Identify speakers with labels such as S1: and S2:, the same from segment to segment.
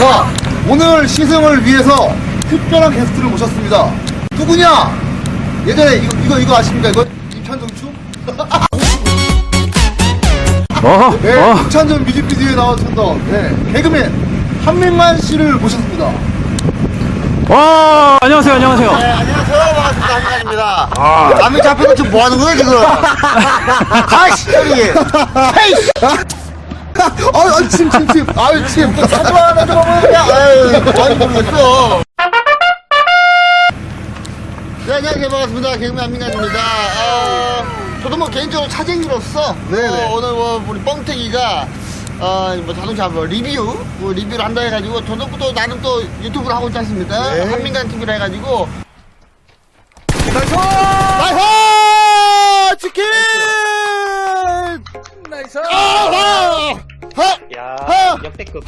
S1: 자, 오늘 시승을 위해서 특별한 게스트를 모셨습니다. 누구냐? 예전에 이거 아십니까? 이거 임찬정추? 네, 임찬정 뮤직비디오에 나왔던 개그맨 한민관 씨를 모셨습니다.
S2: 와, 안녕하세요, 안녕하세요.
S3: 네, 안녕하세요. 반갑습니다. 한민관입니다. 남이 잡혀서 지금 뭐 하는 거야, 지금? 아이씨, 저기. 헤이씨!
S1: 침. 아유, 침.
S3: 사주 하나 좀 하면 그냥, 아유, 많이 모르겠어. 네, 안녕하세요. 반갑습니다. 개그맨 한민관입니다. 저도 뭐 개인적으로 차쟁이로서,
S1: 네네.
S3: 오늘 우리 뻥튀기가, 자동차 리뷰를 한다 해가지고, 저도 또 나름 또 유튜브를 하고 있지 않습니까?
S1: 네.
S3: 한민관 TV를 해가지고,
S1: 나이스!
S3: 나이스! 치킨!
S2: 나이스. 야, 역대급.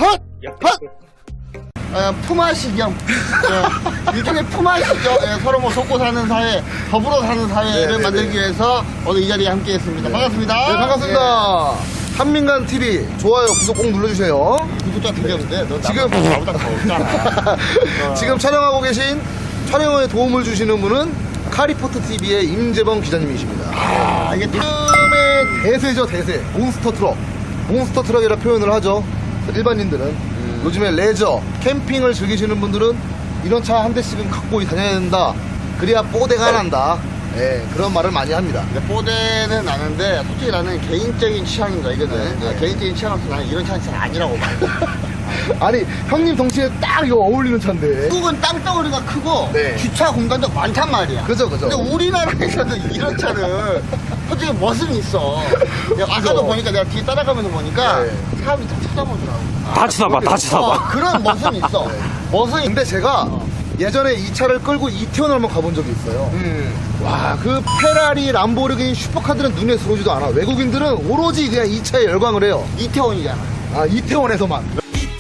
S3: 품앗이겸. 일종의 품앗이죠. 서로 뭐 돕고 사는 사회, 더불어 사는 사회를
S1: 네네네.
S3: 만들기 위해서 오늘 이 자리에 함께 했습니다. 반갑습니다.
S1: 네, 반갑습니다. 한민관 TV 좋아요, 구독 꼭 눌러주세요.
S3: 구독자 되겠는데? 너
S1: 지금-
S3: 나보다 더 없잖아.
S1: 지금 촬영하고 계신 촬영에 도움을 주시는 분은 카리포트 TV의 임재범 기자님이십니다.
S3: 이게
S1: 요즘의 대세죠, 대세. 몬스터 트럭. 몬스터 트럭이라 표현을 하죠. 일반인들은. 요즘에 레저, 캠핑을 즐기시는 분들은 이런 차 한 대씩은 갖고 다녀야 된다. 그래야 뽀대가 난다. 그런 말을 많이 합니다.
S3: 뽀대는 나는데, 솔직히 나는 개인적인 취향입니다, 이거는.
S1: 네.
S3: 개인적인 취향으로서 나는 이런 차는 잘 아니라고 봐.
S1: 아니, 형님 덩치에 딱 이거 어울리는 차인데.
S3: 한국은 땅덩어리가 크고,
S1: 네.
S3: 주차 공간도 많단 말이야.
S1: 그죠.
S3: 근데 우리나라에서는 이런 차를 솔직히 멋은 있어. 아까도 보니까 내가 뒤에 따라가면서 보니까
S1: 네.
S3: 사람이 다 쳐다보더라고.
S2: 다 쳐다봐, 다 쳐다봐.
S3: 그런 멋은 있어. 멋은
S1: 근데 제가 예전에 이 차를 끌고 이태원을 한번 가본 적이 있어요. 와, 그 페라리, 람보르기니, 슈퍼카들은 눈에 들어오지도 않아. 외국인들은 오로지 그냥 이 차에 열광을 해요.
S3: 이태원이잖아.
S1: 아, 이태원에서만.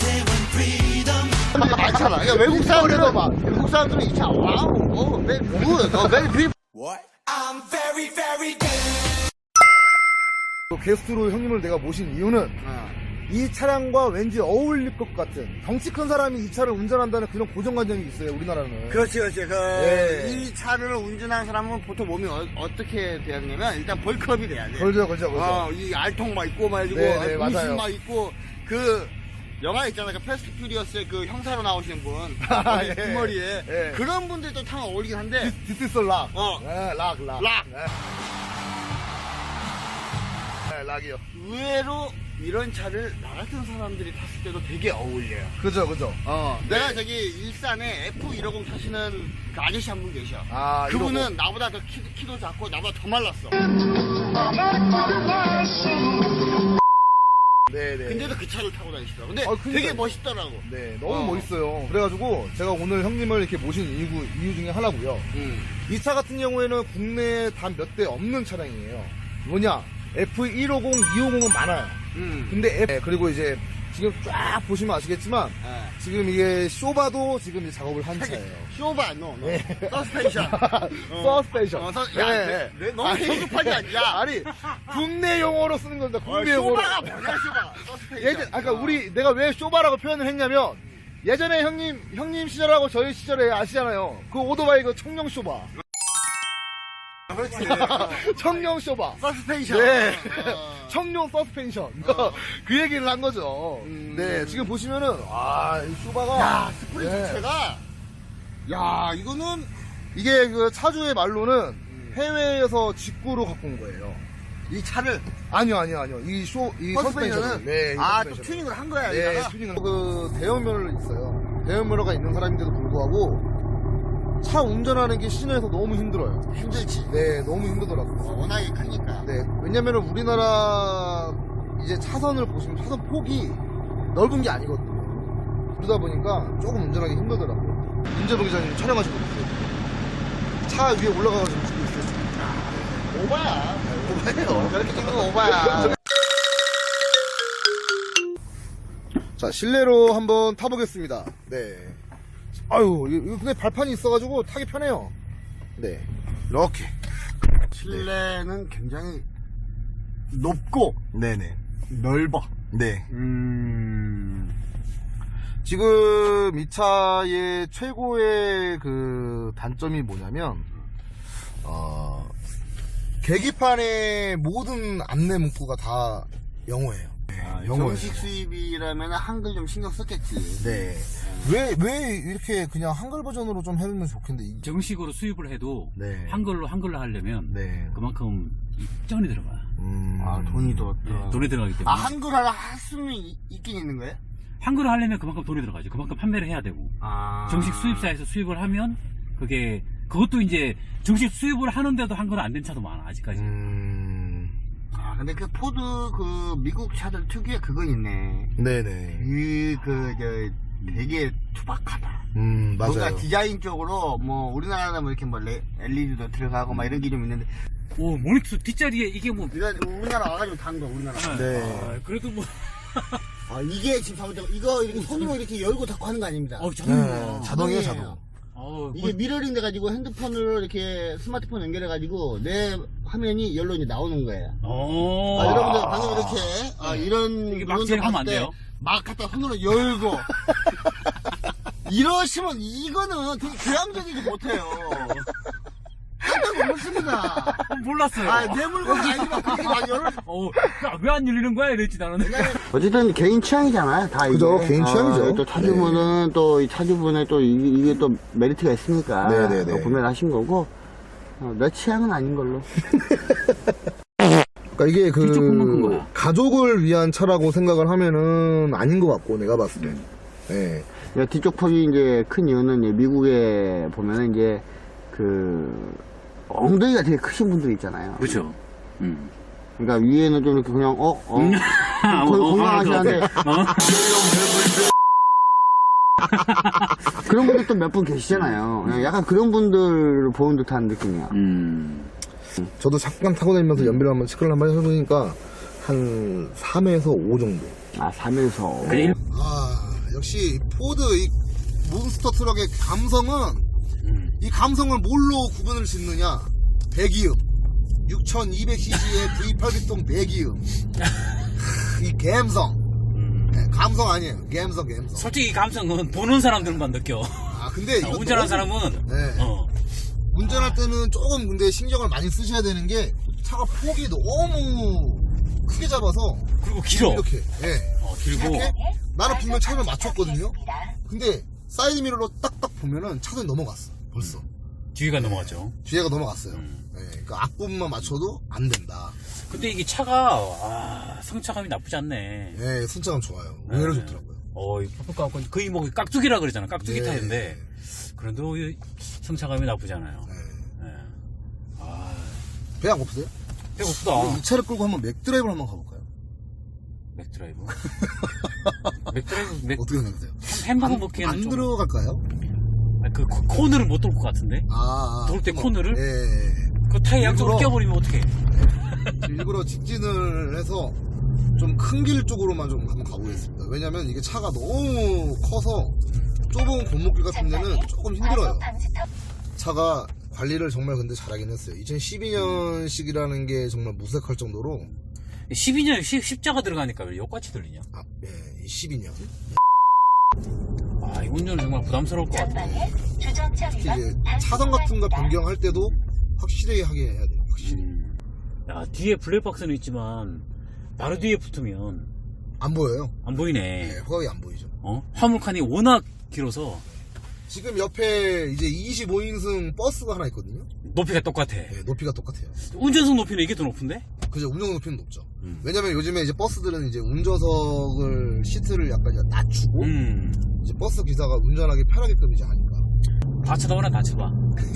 S3: 많잖아. 그러니까 외국 사람들은 이 차 와우, very good, very beautiful.
S1: 또 게스트로 형님을 내가 모신 이유는 이 차량과 왠지 어울릴 것 같은 덩치 큰 사람이 이 차를 운전한다는 그런 고정관념이 있어요, 우리나라는.
S3: 그렇지.
S1: 네.
S3: 이 차를 운전하는 사람은 보통 몸이 어떻게 돼야 되냐면 일단 벌크업이 돼야 돼.
S1: 걸죠.
S3: 이 알통 막 있고 막 해가지고
S1: 네, 맞아요.
S3: 음식 막 있고 그 영화 있잖아, 그 패스트 퓨리어스의 그 형사로 나오시는 분,
S1: 예.
S3: 그 머리에
S1: 예.
S3: 그런 분들도 참 어울리긴 한데
S1: This is 락. 락.
S3: 락.
S1: 락이요.
S3: 의외로 이런 차를 나 같은 사람들이 탔을 때도 되게 어울려요.
S1: 그죠.
S3: 내가 저기 일산에 F150 타시는 그 아저씨 한 분 계셔.
S1: 아,
S3: 그분은 나보다 더 키도 작고 나보다 더 말랐어.
S1: 네네.
S3: 근데도 그 차를 타고 다니시더라고. 근데
S1: 그러니까요.
S3: 되게 멋있더라고.
S1: 네, 너무 멋있어요. 그래가지고 제가 오늘 형님을 이렇게 모신 이유 중에 하나고요. 이 차 같은 경우에는 국내에 단 몇 대 없는 차량이에요. 뭐냐? F150, 250은 많아요. 근데 그리고 이제 지금 쫙 보시면 아시겠지만 지금 이게 쇼바도 지금 이제 작업을 한 차예요.
S3: 쇼바,
S1: 네.
S3: 서스펜션.
S1: 서스펜션.
S3: 너무 성급하지 않냐?
S1: 아니, 국내 용어로 쓰는 겁니다. 국내 용어로.
S3: 쇼바가 뭐냐, 쇼바. 서스펜션.
S1: 내가 왜 쇼바라고 표현을 했냐면, 예전에 형님 시절하고 저희 시절에 아시잖아요. 그 오토바이 그 청룡 쇼바.
S3: 그렇지.
S1: 청룡 쇼바.
S3: 서스펜션.
S1: 네. 청룡 서스펜션. 그 얘기를 한 거죠. 네, 지금 보시면은, 이 쇼바가.
S3: 야, 스프링
S1: 네.
S3: 자체가. 야, 이거는.
S1: 이게 그 차주의 말로는 해외에서 직구로 갖고 온 거예요.
S3: 이 차를.
S1: 아니요. 이 서스펜션은. 네, 이
S3: 또
S1: 서스펜션은.
S3: 튜닝을 한 거야,
S1: 네,
S3: 여기다가?
S1: 튜닝을. 그 대형면허를 있어요. 대형면허가 있는 사람인데도 불구하고 차 운전하는 게 시내에서 너무 힘들어요.
S3: 힘들지.
S1: 네, 너무 힘들더라고요.
S3: 워낙에 크니까.
S1: 네, 왜냐면은 우리나라 이제 차선을 보시면 차선 폭이 넓은 게 아니거든요. 그러다 보니까 조금 운전하기 힘들더라고요. 임재동 기자님 촬영하시고 있어요. 차 위에 올라가가지고 찍고 있어요.
S3: 오바야.
S1: 오바예요.
S3: 저렇게 찍는 거 오바야.
S1: 자, 실내로 한번 타보겠습니다. 네. 아유, 이거 근데 발판이 있어가지고 타기 편해요. 네. 이렇게.
S3: 실내는 굉장히 높고
S1: 네네.
S3: 넓어.
S1: 네. 지금 이 차의 최고의 그 단점이 뭐냐면, 계기판의 모든 안내 문구가 다 영어예요. 영어예요.
S3: 정식 수입이라면 한글 좀 신경 썼겠지.
S1: 네. 왜 이렇게 그냥 한글 버전으로 좀 해놓으면 좋겠는데.
S4: 정식으로 수입을 해도
S1: 네.
S4: 한글로 하려면
S1: 네.
S4: 그만큼 쩐이 들어가.
S3: 돈이 더
S4: 돈이 들어가기 때문에.
S3: 한글화를 할 수는 있긴 있는 거예요?
S4: 한글을 하려면 그만큼 돈이 들어가죠. 그만큼 판매를 해야 되고. 정식 수입사에서 수입을 하면 그것도 이제 정식 수입을 하는데도 한글은 안 된 차도 많아 아직까지.
S3: 근데 그 포드 그 미국 차들 특유의 그거 있네.
S1: 네네.
S3: 되게 투박하다.
S1: 맞아요.
S3: 뭔가 디자인 쪽으로 뭐 우리나라는 뭐 이렇게 뭐 LED도 들어가고 막 이런 게 좀 있는데.
S4: 오, 모니터 뒷자리에 이게 뭐.
S3: 이거 우리나라 와가지고 단 거, 우리나라.
S1: 네.
S4: 그래도 뭐.
S3: 이게 지금 잘못된 이거 이렇게 손으로 이렇게 열고 닫고 하는 거 아닙니다.
S1: 네, 자동이에요, 자동.
S3: 이게 미러링 돼가지고 핸드폰으로 이렇게 스마트폰 연결해가지고 내 화면이 열로 이제 나오는 거예요. 여러분들 방금 이렇게 이런
S4: 이게 막 진행하면 안 돼요?
S3: 막 갖다 손으로 열고 이러시면 이거는 되게 교양적이지 못해요. 깜짝 놀랐습니다.
S4: 몰랐어요.
S3: 내 물건 아니지만 그렇게 막 열어.
S4: 왜 안 열리는 거야? 이랬지 나는.
S3: 어쨌든 개인 취향이잖아요. 다
S1: 그죠,
S3: 이게.
S1: 개인 취향이죠.
S3: 또 차주분은 또 이 차주분의 또 이게 또 메리트가 있으니까
S1: 네네네.
S3: 구매를 하신 거고 내 취향은 아닌 걸로.
S1: 그러니까 이게
S4: 뒤쪽 콩만 큰 거야.
S1: 가족을 위한 차라고 생각을 하면은 아닌 것 같고, 내가 봤을 때. 네.
S3: 뒤쪽 폭이 이제 큰 이유는 이제 미국에 보면은 이제 그 엉덩이가 되게 크신 분들 있잖아요.
S4: 그렇죠.
S3: 그러니까 위에는 좀 이렇게 그냥 건강하시는데 그런 분들 또 몇 분 계시잖아요. 약간 그런 분들 보는 듯한 느낌이야.
S1: 저도 잠깐 타고 다니면서 연비를 한번 체크를 한번 해보니까 한 3에서 5 정도.
S3: 3에서.
S1: 역시 포드 이 몬스터 트럭의 감성은 이 감성을 뭘로 구분을 짓느냐? 배기음 6200cc의 V8기통 배기음 이 감성 감성 아니에요. 감성
S4: 솔직히 이 감성은 보는 사람들만 느껴.
S1: 근데 이거
S4: 운전하는 사람은
S1: 운전할 때는 조금 근데 신경을 많이 쓰셔야 되는 게 차가 폭이 너무 크게 잡아서
S4: 그리고 길어.
S1: 이렇게
S4: 길고
S1: 이렇게 나는 분명 차를 맞췄거든요. 근데 사이드 미러로 딱딱 보면은 차선이 넘어갔어 벌써.
S4: 뒤가 넘어갔죠.
S1: 뒤에가 넘어갔어요. 그러니까 앞부분만 맞춰도 안 된다.
S4: 근데 이게 차가 성차감이 나쁘지 않네.
S1: 네, 순차감 좋아요. 의외로 좋더라고요.
S4: 이 퍼플 거의 뭐 깍두기라 그러잖아. 깍두기
S1: 네.
S4: 타인데 그래도 이 성차감이 나쁘지 않아요.
S1: 배 안 고프세요?
S4: 배고프다.
S1: 이 차를 끌고 한번 맥드라이브를 한번 가볼까요?
S4: 맥드라이브.
S1: 어떻게 생각하세요?
S4: 햄버거 먹기에는
S1: 안
S4: 좀.
S1: 들어갈까요?
S4: 그 코너를 못 돌 것 같은데. 돌 때 코너를? 그 타이 양쪽으로
S1: 일부러-
S4: 껴버리면 어떡해.
S1: 일부러 직진을 해서 좀 큰 길 쪽으로만 좀 한번 가보겠습니다. 왜냐면 이게 차가 너무 커서 좁은 골목길 같은 데는 조금 힘들어요. 차가 관리를 정말 근데 잘하긴 했어요. 2012년식이라는 게 정말 무색할 정도로
S4: 12년 십자가 들어가니까 왜 역같이 들리냐?
S1: 12년.
S4: 이 운전은 정말 부담스러울 것 같아.
S1: 특히 이제 차선 같은 거 변경할 때도 확실히 하게 해야 돼요. 확실히.
S4: 뒤에 블랙박스는 있지만 바로 뒤에 붙으면
S1: 안 보여요.
S4: 안 보이네.
S1: 네, 후각이 안 보이죠.
S4: 화물칸이 워낙 길어서
S1: 지금 옆에 이제 25인승 버스가 하나 있거든요.
S4: 높이가 똑같아.
S1: 네, 높이가 똑같아요.
S4: 운전석 높이는 이게 더 높은데?
S1: 그죠, 운전석 높이는 높죠. 왜냐면 요즘에 이제 버스들은 이제 운전석을 시트를 약간 이제 낮추고 이제 버스 기사가 운전하기 편하게끔 이제 하니까.
S4: 다 쳐다보나 다 쳐봐.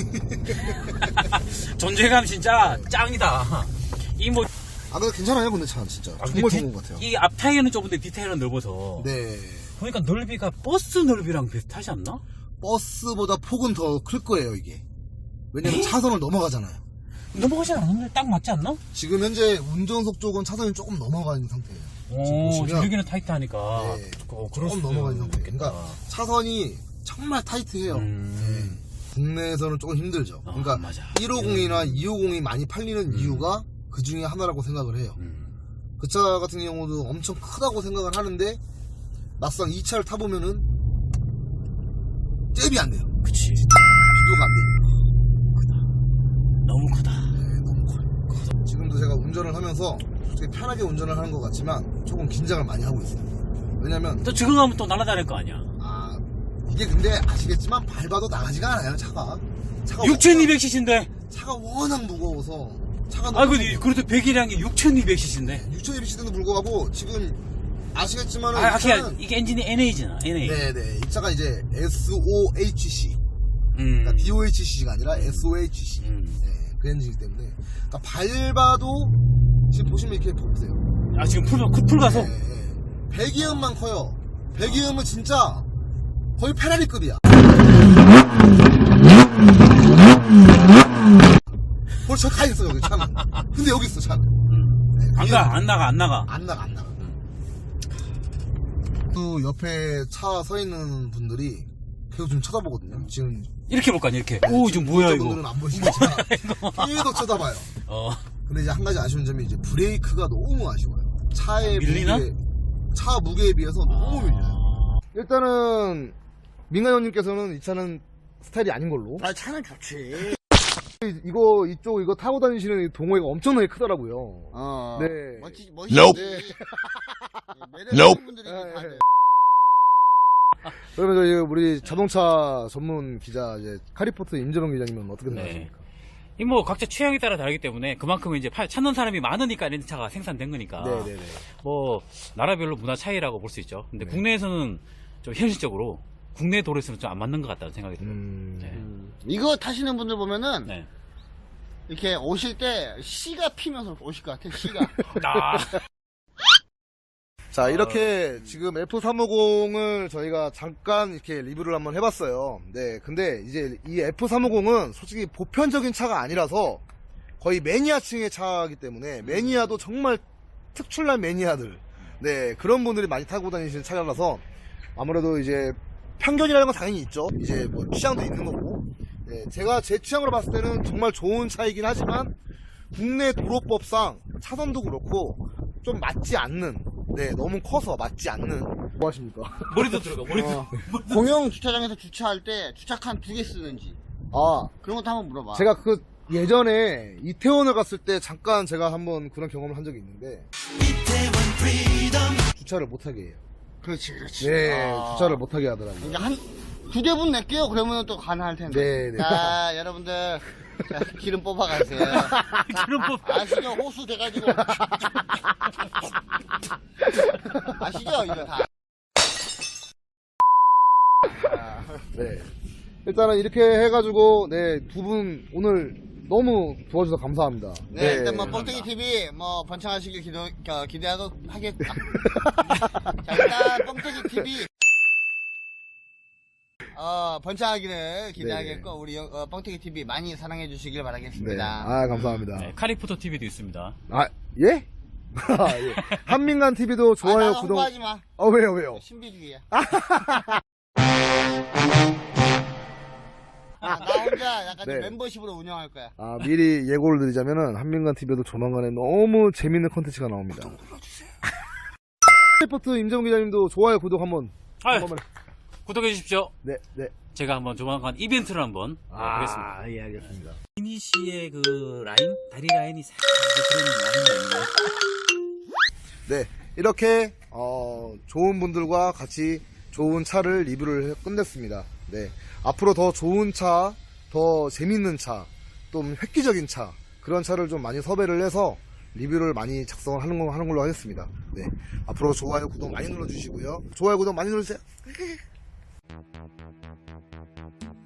S4: 존재감 진짜 짱이다.
S1: 근데 괜찮아요, 근데 차 진짜 정말 좋은 것 같아요.
S4: 이 앞 타이어는 좁은데 뒤 타이어는 넓어서.
S1: 네.
S4: 보니까 넓이가 버스 넓이랑 비슷하지 않나?
S1: 버스보다 폭은 더 클 거예요, 이게. 왜냐면 차선을 넘어가잖아요.
S4: 넘어가지 않았는데 딱 맞지 않나?
S1: 지금 현재 운전석 쪽은 차선이 조금 넘어가 있는 상태예요. 지금 보시면
S4: 여기는 타이트하니까.
S1: 네,
S4: 그럴
S1: 조금
S4: 수도
S1: 넘어가 있는 상태예요.
S4: 있겠다.
S1: 그러니까 차선이 정말 타이트해요. 네. 국내에서는 조금 힘들죠. 그러니까
S4: 맞아.
S1: 150이나 250이 많이 팔리는 이유가 그 중에 하나라고 생각을 해요. 그 차 같은 경우도 엄청 크다고 생각을 하는데 막상 이 차를 타보면은 잽이 안 돼요.
S4: 그치.
S1: 비교가 안 되니까.
S4: 너무 크다.
S1: 네, 너무 커요. 지금도 제가 운전을 하면서 솔직히 편하게 운전을 하는 것 같지만 조금 긴장을 많이 하고 있어요. 왜냐면
S4: 또 적응하면 또 날아다닐 거 아니야.
S1: 이게 근데 아시겠지만 밟아도 나가지가 않아요. 차가
S4: 6200cc인데.
S1: 차가 워낙 무거워서 차가
S4: 아, 그래도 배기량이 6200cc인데.
S1: 6200cc인데도 불구하고 지금 아시겠지만
S4: 이게 엔진이 NA잖아, NA.
S1: 네네 이 차가 이제 SOHC 그러니까 DOHC가 아니라 SOHC 네, 그 엔진이기 때문에 그러니까 밟아도 지금 보시면 이렇게 보세요.
S4: 아, 지금 풀 가서?
S1: 네, 배기음만 커요. 배기음은 진짜 거의 페라리급이야. 벌써 가 있어 여기 차는. 근데 여기 있어 차는. 네,
S4: 안 나가.
S1: 안 나가. 또 옆에 차 서 있는 분들이 계속 좀 쳐다보거든요. 지금
S4: 이렇게 볼까, 이렇게. 오, 지금 뭐야, 이거.
S1: 분들은 안 보시겠지만 계속 쳐다봐요. 근데 이제 한 가지 아쉬운 점이 이제 브레이크가 너무 아쉬워요. 차의
S4: 밀리나?
S1: 차 무게에 비해서 너무 밀려요. 일단은 민간 형님께서는 이 차는 스타일이 아닌 걸로.
S3: 차는 좋지.
S1: 이거 타고 다니시는 이 동호회가 엄청나게 크더라고요. 네.
S3: 멋지지.
S1: Nope.
S3: 매력 분들이 다들.
S1: 그러면 저희 우리 자동차 전문 기자 이제 카리포트 임재롱 기자님은 어떻게 생각하십니까?
S4: 이 뭐 각자 취향에 따라 다르기 때문에 그만큼 이제 찾는 사람이 많으니까 렌트차가 생산된 거니까.
S1: 네네네.
S4: 뭐 나라별로 문화 차이라고 볼 수 있죠. 근데
S1: 네.
S4: 국내에서는 좀 현실적으로 국내 도로에서는 좀 안 맞는 것 같다는 생각이 들어요.
S3: 이거 타시는 분들 보면은
S4: 네.
S3: 이렇게 오실 때 씨가 피면서 오실 것 같아. 씨가.
S1: 자, 이렇게 지금 F350을 저희가 잠깐 이렇게 리뷰를 한번 해봤어요. 네, 근데 이제 이 F350은 솔직히 보편적인 차가 아니라서 거의 매니아층의 차이기 때문에 매니아도 정말 특출난 매니아들, 네, 그런 분들이 많이 타고 다니시는 차라서 아무래도 이제 편견이라는 건 당연히 있죠. 이제 뭐 취향도 있는 거고. 네, 제가 제 취향으로 봤을 때는 정말 좋은 차이긴 하지만 국내 도로법상 차선도 그렇고 좀 맞지 않는, 네, 너무 커서 맞지 않는. 뭐 하십니까?
S4: 머리도 들어가, 머리도.
S3: 공영 주차장에서 주차할 때 주차칸 2개 쓰는지 그런 것도 한번 물어봐.
S1: 제가 예전에 이태원을 갔을 때 잠깐 제가 한번 그런 경험을 한 적이 있는데 주차를 못하게 해요.
S3: 그렇지.
S1: 네, 주차를 못하게 하더라고요.
S3: 이제 한 2대분 낼게요. 그러면 또 가능할 텐데.
S1: 네.
S3: 자, 여러분들. 자, 기름 뽑아가세요.
S4: 기름 뽑아.
S3: 아시죠? 호수 돼가지고. 아시죠? 이거 다.
S1: 네. 일단은 이렇게 해가지고, 네, 두 분 오늘 너무 도와주셔서 감사합니다.
S3: 네, 일단 뭐, 뻥튀기 TV, 뭐, 번창하시길 기대하고 하겠다. 자, 일단, 뻥튀기 TV. 번창하기를 기대하겠고, 우리, 뻥튀기 TV 많이 사랑해 주시길 바라겠습니다.
S1: 네. 아, 감사합니다.
S4: 네, 카리포터 TV도 있습니다.
S1: 아, 예? 예. 한민간 TV도 좋아요,
S3: 나
S1: 구독.
S3: 홍보하지 마.
S1: 왜요?
S3: 신비주의야. 나 혼자 약간 좀
S1: 네.
S3: 멤버십으로 운영할 거야.
S1: 미리 예고를 드리자면은 한민간 TV에도 조만간에 너무 재밌는 컨텐츠가 나옵니다. 리포트 임재훈 기자님도 좋아요, 구독 한번. 한번만.
S4: 구독해 주십시오.
S1: 네.
S4: 제가 한번 조만간 이벤트를 한번 하겠습니다.
S1: 예, 알겠습니다.
S4: 미니 씨의 그 라인, 다리 라인이 싹 그런 라인이 있네요.
S1: 네, 이렇게 좋은 분들과 같이 좋은 차를 리뷰를 끝냈습니다. 네, 앞으로 더 좋은 차, 더 재밌는 차, 좀 획기적인 차, 그런 차를 좀 많이 섭외를 해서 리뷰를 많이 작성을 하는 걸로 하겠습니다. 네, 앞으로 좋아요, 구독 많이 눌러주시고요. 좋아요, 구독 많이 눌러주세요.